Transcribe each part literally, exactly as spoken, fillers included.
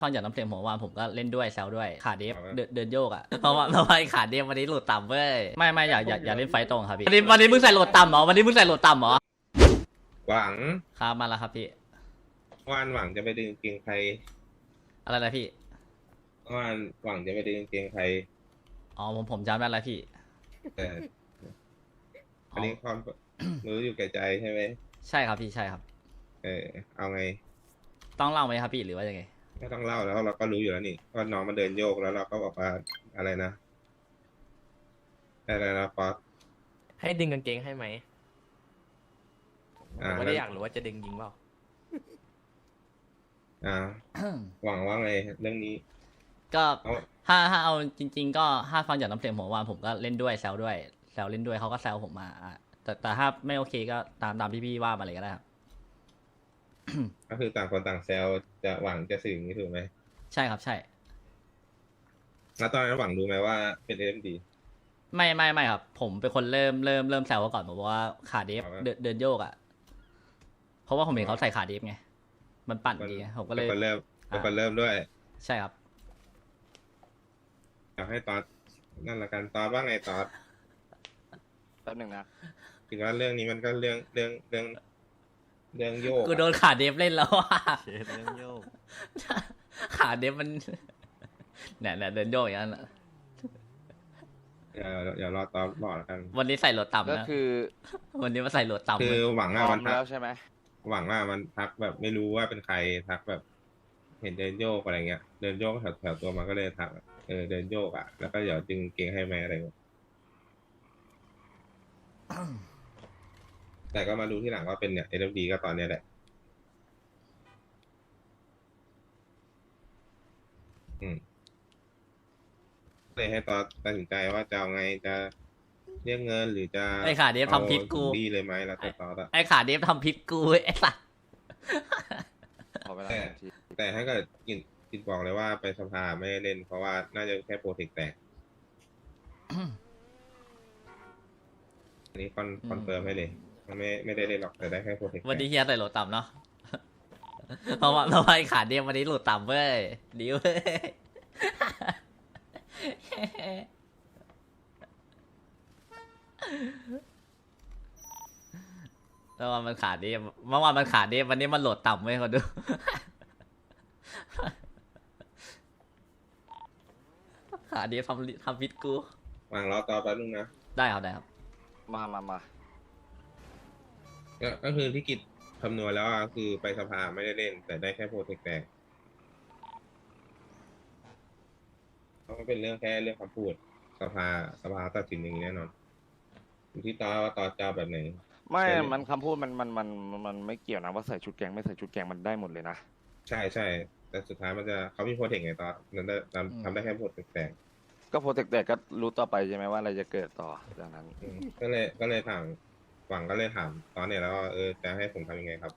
ฟังจากน้ำเสียงผมว่าผมก็เล่นด้วยแซวด้วยขาเดฟเดินเดินโยกอ่ะเพราะว่าเพราะว่าไอ้ขาเดฟวันนี้โหลดต่ำเว้ยไม่ไม่อยากอยากอยากเล่นไฟตรงครับพี่วันนี้วันนี้มึงใส่โหลดต่ำเหรอวันนี้มึงใส่โหลดต่ำเหรอหวังครับมาแล้วครับพี่วานหวังจะไปดึงเกงใครอะไรนะพี่วานหวังจะไปดึงเกงใครอ๋อผมผมจำได้แล้วพี่แต่อ๋อัอนนี้ความ รู้อยู่แก่ใจใช่ไหมใช่ครับพี่ใช่ครับเออเอาไงต้องเล่าไหมครับพี่หรือว่ายังไงไม่ต้องเล่าแล้วเราก็รู้อยู่แล้วนี่ว่าน้องมันเดินโยกแล้วเราก็บอกว่าอะไรนะอะไรนะป๊อปให้ดึงกางเกงให้ไหมผอ่ามไม่ได้อยากรู้ว่าจะดึงจริงเปล่าอ่า หวังว่าไงเรื่องนี้ก็เอาถ้าถ้าเอาจริง ๆ ก็ถ้าฟังจากน้ำเสียงผมว่าผมก็เล่นด้วยแซวด้วยแซวเล่นด้วยเขาก็แซวผมมาอ่ะแต่แต่ถ้าไม่โอเคก็ตามตามที่พี่ว่ามาเลยก็ได้ครับก็คือต่างคนต่างแซวจะหวังจะสื่ออย่างนี้ถูกไหมใช่ครับใช่แล้วตอนนั้นหวังรู้ไหมว่าเป็นเอ็มดีไม่ไม่ไม่ครับ ผมเป็นคนเริ่มเริ่มเริ่มแซวเขาก่อนผมบอกว่าขาเดฟเอาละเดินเดินโยกอ่ะเพราะว่าผมเห็นเขาใส่ขาเดฟไงมันปั่นมันดีไงผมก็เลยเป็นคนเริ่มเป็นคนอ่าเริ่มด้วยใช่ครับอยากให้ตอดนั่นละกันตอดว่าไงตอดแป๊บหนึ่งนะถึงว่าเรื่องนี้มันก็เรื่องเรื่องเรื่องเรื่องโยกกูโดนขาเดฟเล่นแล้วอ่ะเชดเรื่องโยกขาเดฟมัน เนี่ยเนี่ยเดินโยกอย่างนั้นอะเดี๋ยวเดี๋ยวรอตอดบอกแล้วกันวันนี้ใส่โหลดต่ำก็นะคือวันนี้มาใส่โหลดต่ำคือเลยหวังพอะร้อมัมนทักแล้วใช่ไหมหวังว่ามันทักแบบไม่รู้ว่าเป็นใครทักแบบ เห็นเดินโยกอะไรเงี้ย เดินโยกแถวแถวตัวมันก็เลยทักเออเดินโยกอ่ะแล้วก็เดี๋ยวจึงเกงให้ไหมอะไรเงี้ยแต่ก็มาดูที่หลังว่าเป็นเนี่ยเอ็มดีก็ตอนเนี้ยแหละ อืมเลยให้ตอนตัดสินใจว่าจะเอาไงจะเรียกเงินหรือจะไอ้ขาเดฟทำพิษกูดีเลยไหมแล้วแต่ตอนอะไอ้ขาเดฟทำพิษกูไอ้สัสขอเวลาแต่หนึ่งนาทีแต่ถ้าเกิดกินกินบอกเลยว่าไปสภาไม่ได้เล่น เพราะว่าน่าจะแค่โปรเทคแตกอันนี้คอนคอนเฟิร์มให้เลยมันไม่ไม่ได้เล่นหรอกแต่ได้แค่โปรเทคแตวันนี้กเฮียใส่โหลดต่ำเนาะ เพราะว่าเพราะว่าไอ้ขาเดฟวันนี้โหลดต่ำเว้ยดีเว้ย แล้ววันมันขาดเดฟเมื่อวานมันขาดเดฟวันนี้มันโหลดต่ำเว้ยเขาดู ขาเดฟทำทำพิษกูวางรอต่อแป๊บนึงนะได้ครับได้ครับมามามาก็ก็คือที่กิจคำนวณแล้วอะคือไปสภาไม่ได้เล่น แต่ได้แค่โปรเทคแตกเพราะมันเป็นเรื่องแค่เรื่องคำพูดสภาสภาตัดสินอย่างนี้แน่นอนอยู่ที่ตอว่าตอจะเอาแบบไหนไม่ใช่มันคำพูดมันมันมันมันไม่เกี่ยวนะว่าใส่ชุดแกงไม่ใส่ชุดแกงมันได้หมดเลยนะใช่ใช่แต่สุดท้ายมันจะเขามีโปรเทคไงตอนนั้นได้ทำทำได้แค่โปรเทคแตกก็โปรเทคแต่ก็รู้ต่อไปใช่ไหมว่าอะไรจะเกิดต่อจากนั้นอืมก็เลยก็เลยถามหวังก็เลยถามตอนเนี้ยแล้วว่าเออจะให้ผมทำยังไงครับ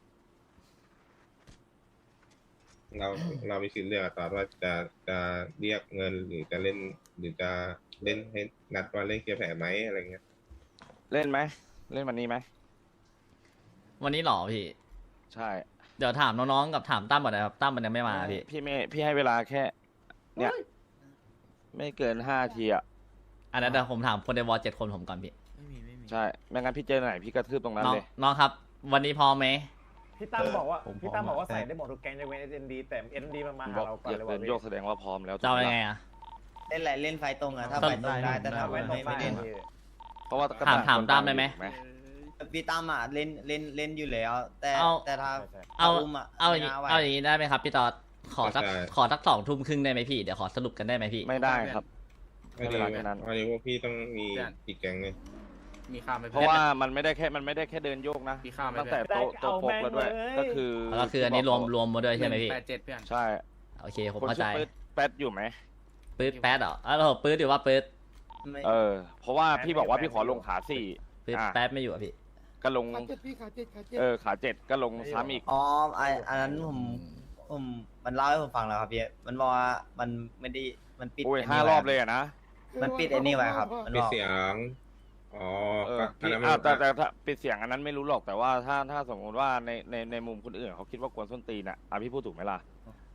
เราเรามีสิทธิ์เลือกอะตอนว่าจะจะเรียกเงินหรือจะเล่น หรือจะเล่นให้นัดว่าเล่นเคลียร์แผลไหมอะไรเงี้ยเล่นไหมเล่นวันนี้ไหมวันนี้หรอพี่ใช่เดี๋ยวถามน้องๆกับถามตั้มก่อนนะครับตั้มมันยังไม่มาพี่พี่ไม่พี่ให้เวลาแค่ เนี่ย ไม่เกินห้าทีอ่ะอันนั้นเดี๋ยวผมถามคนในวอลเจ็ดคนผมก่อนพี่ไม่มีไม่มีใช่ไม่งั้นพี่เจอไหนพี่กระทืบตรงนั้นน้องเลยน้องครับ วันนี้พร้อมไหมพี่ตั้มบอกว่าผมพร้อมพี่ตั้มบอกว่าใช่ใส่ได้หมดทุกแกงในเว้นเอ็นดีแต่เอ็นดีมันมาบหาอกเราก่อนอยากเลยเดิว่านโยกแสดงว่าพร้อมแล้วจะเอาถูกยังปะไงอะเล่นอะไรเล่นไฟตรงอะถ้าต้องไฟตรงได้แต่ถ้าเว้นตรงไม่ไม่ไม่ได้เล่นเพราะว่าถามถามตั้มได้ไหมถูกพี่ตั้มอะเล่นเล่นเล่นอยู่แล้ว แต่เอาแต่ถ้าเอาอุ้มอะเอาอย่างนี้ไม่น่ไหวเอาอย่างนี้ได้ไหมครับพี่ตอดขอสักได้ขอสักสองทุ่มครึ่งได้ไหมพี่เดี๋ยวขอสรุปกันได้ไหมพี่ไม่ได้ครับไม่ดีเวลาแค่นั้นวันนี้พวกพี่ต้องมีอีกแกงเลยมีข้ามไหมเพราะว่ามันไม่ได้แค่มันไม่ได้แค่เดินโยกนะมีข้ามไหมตั้งแต่เพื่อนโต๊ะโต๊ะโฟกแล้วด้วย ก็คือแล้วก็คืออันนี้รวมรวมมาด้วยใช่ไหมพี่แปดเจ็ดเพื่อนใช่โอเคผมคนเข้าชื่ใจอปื๊ดแป๊ดอยู่ไหมปื๊ดแป๊ดเหรออ้าวเราปื๊ดหรือว่าปื๊ดไม่เออ เพราะว่าพี่บอกว่าพี่ขอลงขาสี่ปื๊ดอ่ะแป๊ดไม่อยู่อะพี่ก็ลงขาเจ็ดพี่ขาเจ็ดขาเจ็ดเออขาเจ็ดก็ลงซ้ำอีกอ๋อไออันนั้นผมผมมันเล่าให้ผมฟังแล้วครับพี่มันบอกว่ามันไม่ได้มันปิดโอ้ยไนี่ห้ารอบเลยอะนะมันปิดไอ้นี่ไว้ครับมันปิดบอกเสียง อ๋อเออก็อันพี่นั้นอ่ามันแต่แต่ถ้าปิดเสียงอันนั้นไม่รู้หรอกแต่ว่าถ้าถ้าสมมติว่าในในในมุมคนอื่นเขาคิดว่ากวนส้นตีนอ่ะอ่ะพี่พูดถูกไหมล่ะ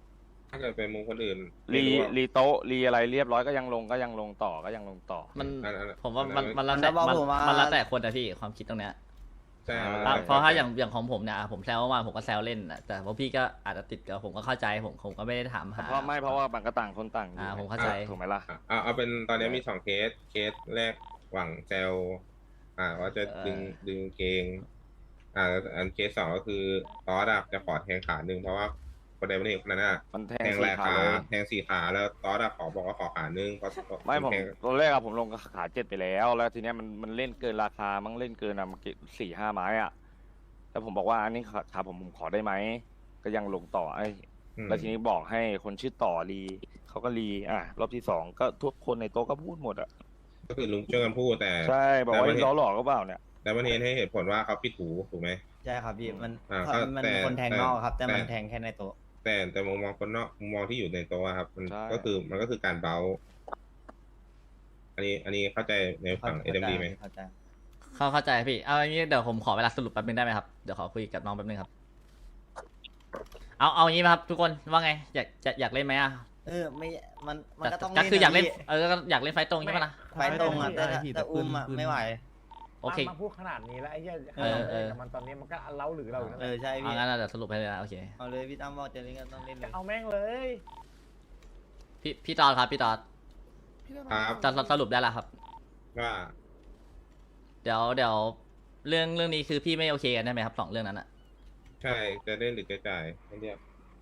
ถ้าเกิดเป็นมุมคนอื่นรีไม่ว่ารีโต๊ะรีอะไรเรียบร้อยก็ยังลงก็ยังลงต่อก็ยังลงต่อมันอันนั้นผมว่าอันนั้มันนมันแล้วแต่มันมันบอกผมว่ามันแล้วแต่คนนะพี่ความคิดตรงเนี้ยใช่อ่าเพราะถ้าอย่างอย่างของผมเนี่ยอ่ะผมแซวเมื่อวานผมก็แซวเล่นนะแต่พวกพี่ก็อาจจะติดกับผมก็เข้าใจผมผมก็ไม่ได้ถามหาเพราะไม่เพราะว่ามันก็ต่างคนต่างอ่ายู่ผมเข้าใจถูกไหมล่ะอ่ะเอาเอาเป็นตอนนี้มีสองเคสเคสแรกหวังแซวอ่าว่าจะดึงดึงเกง อ่าอันเคสสองก็คือตอสอะจะขอแทงขาหนึ่งเพราะว่าคนใดคนหนึ่งคนนั้นอะมันแทแทงงแรสี่กขาขาเลยแทงสี่ขาแล้วตอสอะขอบอกว่าขอขาหนึ่งเพราะไม่ผมแทงตอนแรกอะผมลงขาเจ็ดไปแล้ว แล้วทีเนี้ยมันมันเล่นเกินราคามั้งเล่นเกินอะมันสี่ห้าไม้อะแล้วผมบอกว่าอันนี้ขาผมผมขอได้ไหมก็ยังลงต่อไอ้อืมแล้วทีนี้บอกให้คนชื่อต่อรีเขาก็รีอ่ะรอบที่สองก็ทุกคนในโต๊ะก็พูดหมดอะก็คือลุงช่วยกันพูดแต่ใช่บอกว่าแต่มันเห็นล้อหลอกก็เปล่าเนี่ยแต่มันเห็นให้เหตุผลว่าเขาปิดหูถูกไหมใช่ครับพี่มันอ่าเขามันแต่คนแทงแต่นอกครับ แต่มันแต่แทงแค่ในโต๊ะแต่แต่มุมมองคนนอกมุมมองที่อยู่ในโต๊ะครับ มันใช่ก็คือมันก็คือการเบาอันนี้อันนี้เข้าใจในฝั่งเอ็มดีไหมเข้าใจเข้าเข้าใจพี่เอาอย่างนี้เดี๋ยวผมขอเวลาสรุปแป๊บนึงได้ไหมครับเดี๋ยวขอคุยกับน้องแป๊บนึงครับเอาเอาอย่างนี้ไหมครับทุกคนว่าไงอยากจะอยากเล่นไหมอ่ะเออไม่มันมันแต่ก็ต้องก็คืออยากเล่นพี่เออก็อยากเล่นไฟตรงใช่ไหมล่ะไฟตรงอ่ะแต่ไม่พี่แต่แต่อุ้มอ่ะปืนไม่ไหวโอเคมาพูดขนาดนี้แล้วไอ้เหี้ยเออเออกับมันตอนนี้มันก็เล้าหรือเราอยู่นั่นเอแหอละใช่เอาพี่งั้นเดี๋ยวสรุปให้เลยนะโอเคเอาเลยพี่ตั้มบอกจะเล่นก็ต้องเล่นเลยเอาแม่งเลยพี่พี่ตอดครับพี่ตอดครับจะสรุปได้แล้วครับว่าเดี๋ยวเดี๋ยวเรื่องเรื่องนี้คือพี่ไม่โอเคกันได้ไหมครับสองเรื่องนั้นอ่ะใช่จะเล่นหรือจะจ่ายไม่เรียก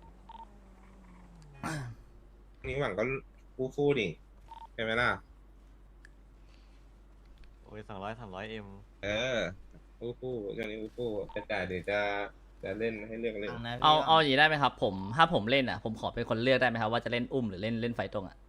นี่หวังก็ฟูฟูดิใช่ไหมล่ะโอ้ยสองร้อยสามร้อยเอ็มเออฟูฟูเรื่องนี้ฟูฟูจะจ่ายหรือจะจะเล่นให้เลือกเล่นฟังนะพี่เอาเอาอย่างนี้ได้ไหมครับ ผมถ้าผมเล่นอ่ะผมขอเป็นคนเลือกได้ไหมครับว่าจะเล่นอุ้มหรือเล่นเล่นไฟตรงอ่ะ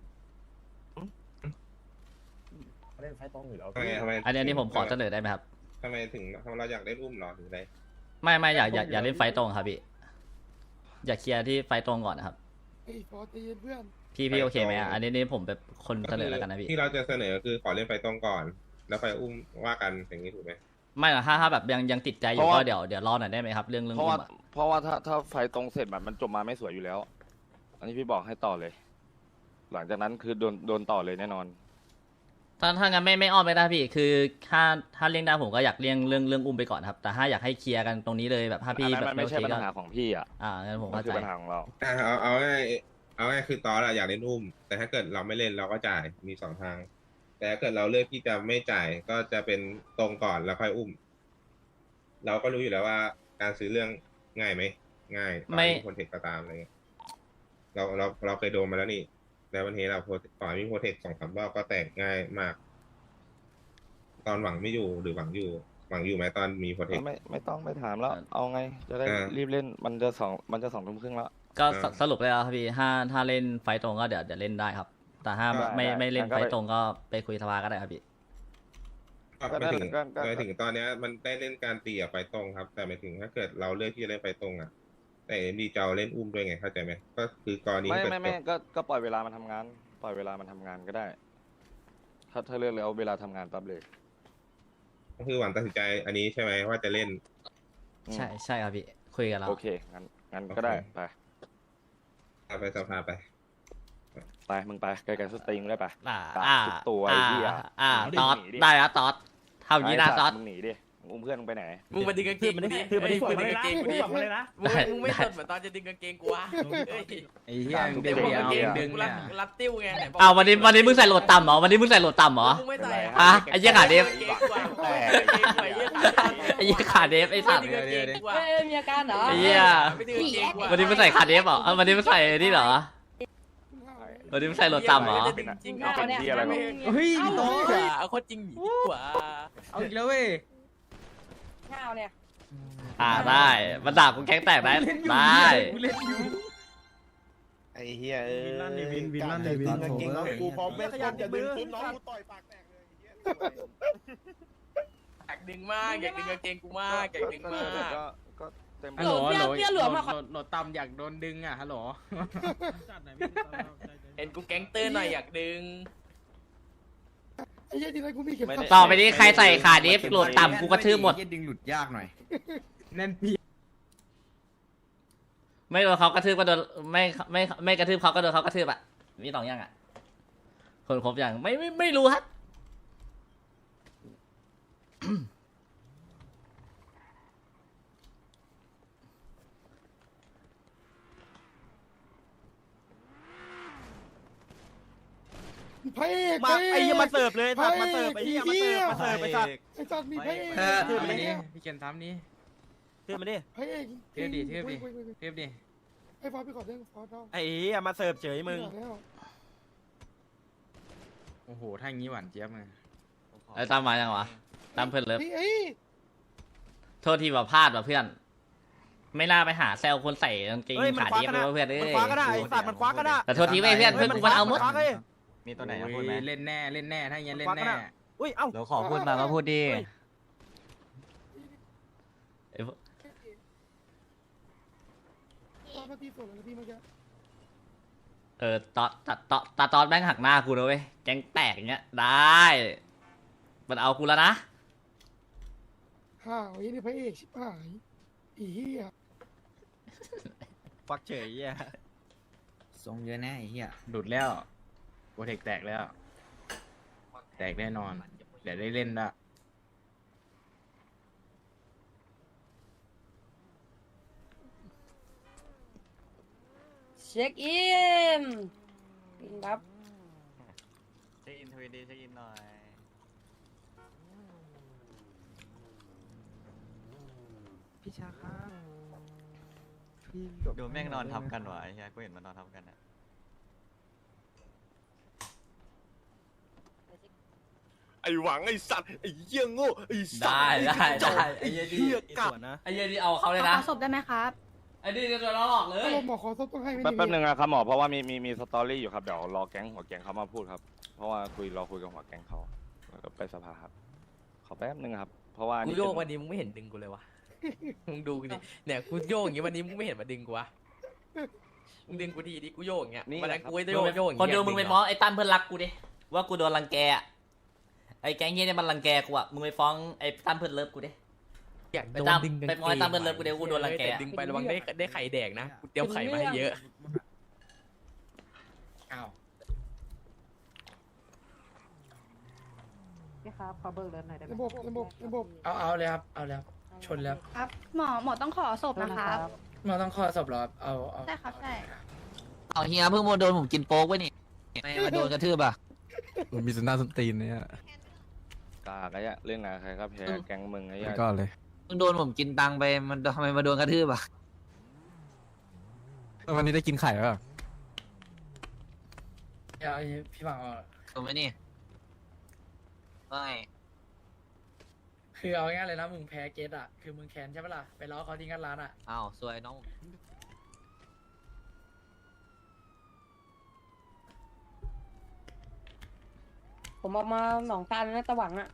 เล่นไฟตรงอยู่แล้วทำไมทำไมอันนี้อันนี้ผมขอเสนอได้ไหมครับทำไมถึงทำไมเราอยากเล่นอุ้มเหรอหรืออะไรไม่ไม่อยากอยากอยากเล่นไฟตรงครับพี่อยากเคลียร์ที่ไฟตรงก่อนนะครับไอ้ฟอสใจเย็นเพื่อนพี่พี่โอเคไหมอ่ะอันนี้นี่ผมเป็นคนเสนอแล้วกันนะพี่ที่เราจะเสนอคือขอเล่นไฟตรงก่อน แล้วไฟอุ้มว่ากันอย่างนี้ถูกไหมไม่หรอกถ้าถ้าแบบยังยังติดใจอยู่เพราะก็ว่าเดี๋ยวเดี๋ยวรอหน่อยได้ไหมครับ เรื่องเรื่องเพราะอุ้ว่ามอะเพราะว่าถ้าถ้าไฟตรงเสร็จแบบมันจบมาไม่สวยอยู่แล้ว อันนี้พี่บอกให้ต่อเลย หลังจากนั้นคือโดนโดนต่อเลยแน่นอนถ้าถ้างั้นไม่ไม่อ้อมไปได้พี่ คือถ้าถ้าเลี่ยงได้ผมก็อยากเลี่ยงเรื่องเรื่องอุ้มไปก่อนครับ แต่ถ้าอยากให้เคลียร์กันตรงนี้เลยแบบถ้าอันพี่นั้นแบมับนไม่ใช่โอปัญเคก็หาของพี่อ่ะอ่างั้นผมมันเข้าคือใจปัญหาของเราอ่ะเอาเอาง่ายเอาง่ายคือตอนเราอยากเล่นอุ้ม แต่ถ้าเกิดเราไม่เล่นเราก็จ่ายมีสองทาง แต่ถ้าเกิดเราเลือกที่จะไม่จ่ายก็จะเป็นตรงก่อนแล้วค่อยอุ้ม เราก็รู้อยู่แล้วว่าการซื้อเรื่องง่ายไหมง่ายต่อให้คนเทคก็ตามอะไรเงี้ยเราเราเราเคยโดนมาแล้วนี่แล้ววันนี้เราต่อมีโปรเทคสองสามรอบก็แตกง่ายมาก ตอนหวังไม่อยู่หรือหวังอยู่ หวังอยู่ไหมตอนมีโปรเทคไม่ไม่ต้องไปถามแล้ว เอาไง จะได้อ่ารีบเล่นมันจะสองมันจะสองทุ่มครึ่งแล้วก็อ่าสสรุปเลยครับพี่ถ้าถ้าเล่นไฟตรงก็เดี๋ยวเดี๋ยวเล่นได้ครับ แต่ถ้าได้ไม่ได้ไม่เล่นงั้นก็ไฟไปตรงก็ไปคุยสภาก็ได้ครับพี่ก็ไม่ถึงก็ก็ไม่ถึงตอนเนี้ยมันได้เล่นการตีอะไฟตรงครับ แต่ไม่ถึงถ้าเกิดเราเลือกที่จะเล่นไฟตรงอะแต่เอ็มดีจะเอาเล่นอุ้มด้วยไงเข้าใจไหมก็คือกรณีไม่ที่ไม่ไม่จบก็ก็ปล่อยเวลามันทำงาน ปล่อยเวลามันทำงานก็ได้ ถ้าถ้าเลือกแล้วเวลาทำงานปั๊บเลยก็คือหวังตัดสินใจอันนี้ใช่ไหมว่าจะเล่นอืมใช่ใช่ครับพี่คุยกันแล้วโอเคงั้นงั้นก็ได้โอเคไปเอาไปสภาไปไปมึงไปไกลๆสตรีมได้ไปอ่าตัดอ่าทุกตัวไอ้อ่าเหี้ยอ่าหนีตอดหนีดิได้แล้วตอดทำอย่างนี้นะไสัตอตดว์มึงหนีดิมึงอุ้มเพื่อนมึงไปไหนมึงมาดึงกางเกงกูดิคือมันเอ้ที่ยสวยมึงมาดึเลยงกางเกงกูดินะสวยมาเลยนะมึงไม่มึงไม่สนเหมือนตอนจะดึงกางเกงกูวะเอ้ยไอ้เหี้ยมึงเดี๋เดี๋ยยว วกางเดี๋เกยวงดึดึงงเนี่รัดยรัดติ้วไงไหนบอกอ้าววันนี้วันนี้มึงใส่โหลดต่ำเหรอวันนี้มึงใส่โหลดต่ำเหรอมึงไม่ใส่อ่ะไอ้เหี้ยขาเดฟแต่ไอ้ยี่ขาเดฟไอ้สัตว์ไม่ดึงกางเกงกูอะเอ้ยมีอาการเหรอไอ้เหี้ยไม่ดึงกางเกงกูอะวันนี้มึงใส่ขาเดฟเหรอเอาวันนี้มึงใส่นี่เหรอวันนี้มึงใส่โหลดต่ำเหรอจริงเอาเป็นที่อะไรหรอเฮ้ยพี่โตเอาโคตรจริงดีกว่าเอาอีกแล้วเว้ยข้าวเนี่ยอ่าได้มันด่ากูแก๊งแตกได้ได้กูเล่นอยู่ไอ้เหี้ยเออวินลั่นดิวินวินลั่นดิวินกางเกงน้องกูพร้อมไม่ขยันอย่าดึงปุ๊บน้องกูต่อยปากแตกเลยอยากดึงมากอยากดึงกางเกงกูมากอยากดึงมากก็ก็เต็มฮัลโหลเปรี้ยวเปรี้ยวเหลือมาโหลดโหลดต่ำอยากโดนดึงอ่ะฮัลโหลเห็นกูแก๊งเตอร์หน่อยอยากดึงไอ้เหี้ยที่ไรกูมีเก็บไม่ได้ต่อไปนี้ใครใส่ขาเดฟโหลดต่ำกูกระทืบหมดดึงหลุดยากหน่อยแน่นปีไม่โดนเขากระทืบก็โดนไม่ไม่ไม่กระทืบเขาก็โดนเขากระทืบอ่ะมีสองอย่างอ่ะคนครบอย่างไม่ไม่ไม่รู้ครับพระเอกมาพระเกไอ้ยี่มาเสิร์ฟเลยสัตว์มาเสิร์ฟไอ้ยี่มาเสิร์ฟมาเสิร์ฟไอ้สัตว์ไอ้สัตว์มีพระเอกเออถือทำมานี้ดิพี่เกียนทำนี้ถือมาดิพระเอกเทียบดิเทียบดิฮ้ฮ้ฮ้เทียบดิไอ้ฟอสไปขอเรื่องฟอสเอาไอ้เหี้ยมาเสิร์ฟเฉยมึงแล้วโอ้โหถ้าอย่างนี้หวานเจี๊ยบเลยไอ้ตามมายังวะตามเพื่อนเลิฟเฮ้ยโทษทีว่าพลาดว่ะเพื่อน ไม่น่าไปหาแซวคนใส่กางเกงเฮ้ยมันขาคว้าเดียบกันเลยนะว่ะเพื่อนเอ้มันยคว้ากันนะไอ้สัตว์มันคว้ากันนะแต่โทษทีเว้ยเพื่อนเพื่อนกูมันเอาหมดคว้ากันเลยมีตัวไหนอะพูดไหมโอ้ยเล่นแน่เล่นแน่ถ้าอย่างนี้เล่นคว้ากันแน่อะ อุ้ยเอ้าเราขอพูดมาก็พูดดิไอ้พวกฟอสมาตีสวนเลยพี่เมื่อกี้เออตอตาตอตาตอนแม่งหักหน้ากูนะเว้ยแกงแตกอย่างเงี้ยได้ มันเอากูแล้วนะห่าวไอ้นี่พระเอกชิบหายอีเหี้ยฟักเฉยเหี้ยทรงเยอะแน่ไอ้เหี้ยหลุดแล้วโปรเทคแตกแล้ว แตกแน่นอน เดี๋ยวได้เล่นละเช็คอินอินครับเช็คอินทวีดีเช็คอินหน่อยพี่ชาครับพี่ดูแม่งนอนทับกันวะไอ้เหี้ยกูเห็นมันนอนทับกันอะไอ้หวังไอ้สัตว์ไอ้เหี้ยโง่ไอ้สัตได้ว์ได้ได้ไอ้เหี้ยกลับนะไอ้เหี้ยนี่เอาเขาเลยนะขอศพได้ไหมครับไอ้นี่จะโดนเราหลอกเลถ้าย เราหมอขอซบต้องให้ไม่แป๊บดีแป๊บนึงนะครับหมอเพราะว่ามีมีมีสตอรี่อยู่ครับเดี๋ยวรอแก๊งหัวแก๊งเขามาพูดครับ เพราะว่าคุยรอคุยกับหัวแก๊งเขาแล้วก็ไปสภาครับขอแป๊บนึงครับเพราะว่ากูนี่โยกเป็วันนี้มึงไม่เห็นดึงกูเลยวะ มึงดูกูดิเนี่ยกูโยกอย่างงี้วันนี้มึงไม่เห็นมาดึงกูวะ มึงดึงกูทีดิกูโยกอย่างเงี้ยวันนั้นกูไม่ได้โยกโยกอย่างคนเงี้ยดูมึงไปฟ้องไอ้ตั้มเพื่อนรักกูดิว่ากูโดนรังแกอะไอ้แก๊งเฮียเนี่ยมันรังแกกูอะมึงไปฟ้องไอ้ตั้มเพื่อนเลิฟกูดิอยากไปโดนตามดึงกางไปเกฟ้องไอ้ตั้มเพื่อนเลิฟกูเดี๋ยวกูโดนรังแกแต่ดึงไประวังได้ได้ไข่แดกนะกูเตรียมไข่มาให้เยอะอ้าวพี่ครับขอเบิกเลินหน่อยได้ไหมระบบระบบระบบเอาเอาเลยครับเอาเลยครับชนแล้วครับ หมอหมอต้องขอศพนะครับเราต้องข้อสอบหรอเอาเอาใช่ครับใช่เอาเฮียเพิ่งมาโดนผมกินโป๊กไว้นี่ไม่มาโดนกระทืบอ่ะมันมีสันดานสนตีนเนี่ยกากไอ้เหี้ยเล่นงานใครก็แพ้แก๊งมึงไอ้เหี้ยก็เลยเพิ่งโดนผมกินตังค์ไปมันทำไมมาโดนกระทืบอ่ะแล้ววันนี้ได้กินไข่ป่ะเอาพี่บังเอาถูกไหมนี่ไม่คือเอาง่ายเลยนะมึงแพ้เกตอ่ะคือมึงแค้นใช่ปะล่ะไปล้อเขาที่งัดร้านอ่ะอ้าวสวยน้องผมเอามาหนองตาลนะตะหวังอะ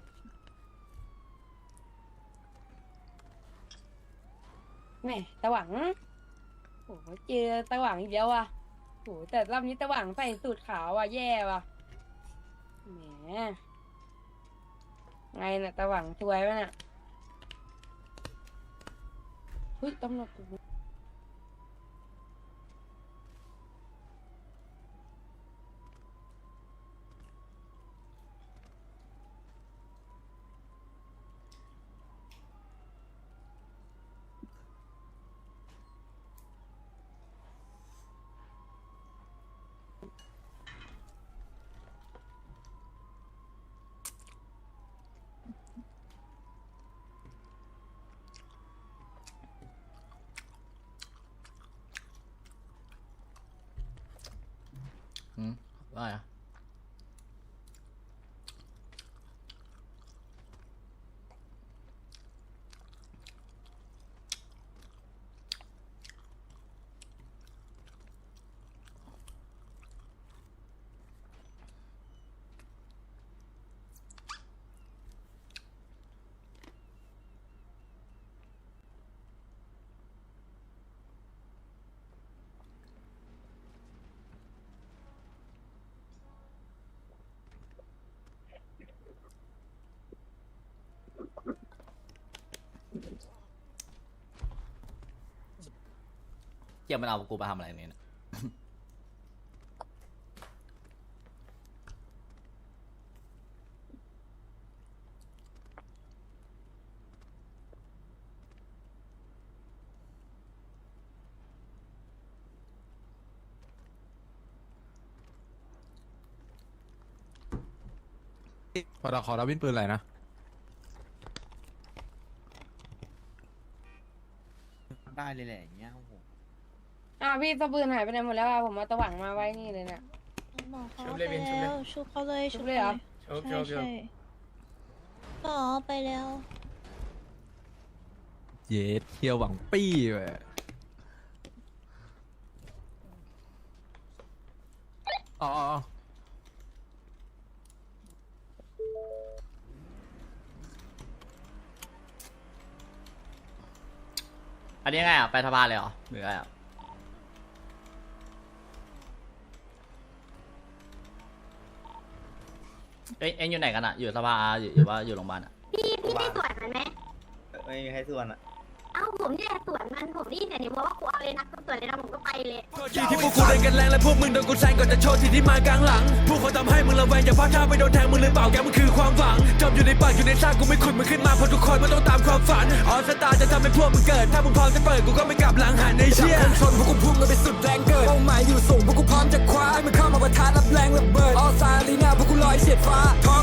แหม่ตะหวังโอ้โหเจอตะหวังอีกแล้วอ่ะโอ้โหแต่รอบนี้ตะหวังใส่สูตรขาวอ่ะแย่ว่ะแหมไงน่ะตะหวังสวยไหมน่ะเฮ้ยตำรวจอืมว่าอะเกี่ยวมันเอากูมาทำอะไรเนี่ยพอเราขอรับวินปืนอะไรนะได้เลยแหละอย่างเงี้ยโอ้โหอ้าวพี่ตะปืนหายไปไหนหมดแล้วอ่ะผมเอาตะหวังมาไว้นี่เลยเนี่ยบอกเขาไปแล้วชุบเขาเลยชุบเลยเหรอชุบชุบชุบก็ไปแล้วเย็ดเที่ยวหวังปี้เว้ยอ๋ออ๋ออันนี้ไงอ่ะไปสภาเลยเหรอหรือไงอ่ะเอ้ยเอ็งอยู่ไหนกันอ่ะอยู่สภาอยู่อยู่ว่าอยู่โรงพยาบาลอ่ะพี่พี่ได้สวนมันไหมไม่มีใครส่วนอ่ะเอ้าผมเนี่ยสวนมันผมนี่แต่นี่เพราะว่ากูเอาเลยนะกูสวนเลยนะผมก็ไปเลยที่พวกกูเล่นกันแรงและพวกมึงโดนกูแซงก่อนจะโชว์ที่ที่มากลางหลังพวกเขาทำให้มึงระแวงอย่าพลาดท่าไปโดนแทงมึงเลยเปล่าแกมันคือความหวังจมอยู่ในปากอยู่ในซากกูไม่ขุดมึงขึ้นมาเพราะทุกคนมันต้องตามความฝันออสตาจะทำให้พวกมึงเกิดถ้ามึงพร้อมจะเปิดกูก็ไม่กลับหลังหันในเชี่ยชนพวกกูพุ่งกันไปสุดแรงเกิดเป้าหมายอยู่สูงพวกกูพร้อมจะคว้าให้มึงเข้ามาประทะรับแรงระเบิดออสตาลีนาพวกกูลอยเฉียดฟ้าท้อง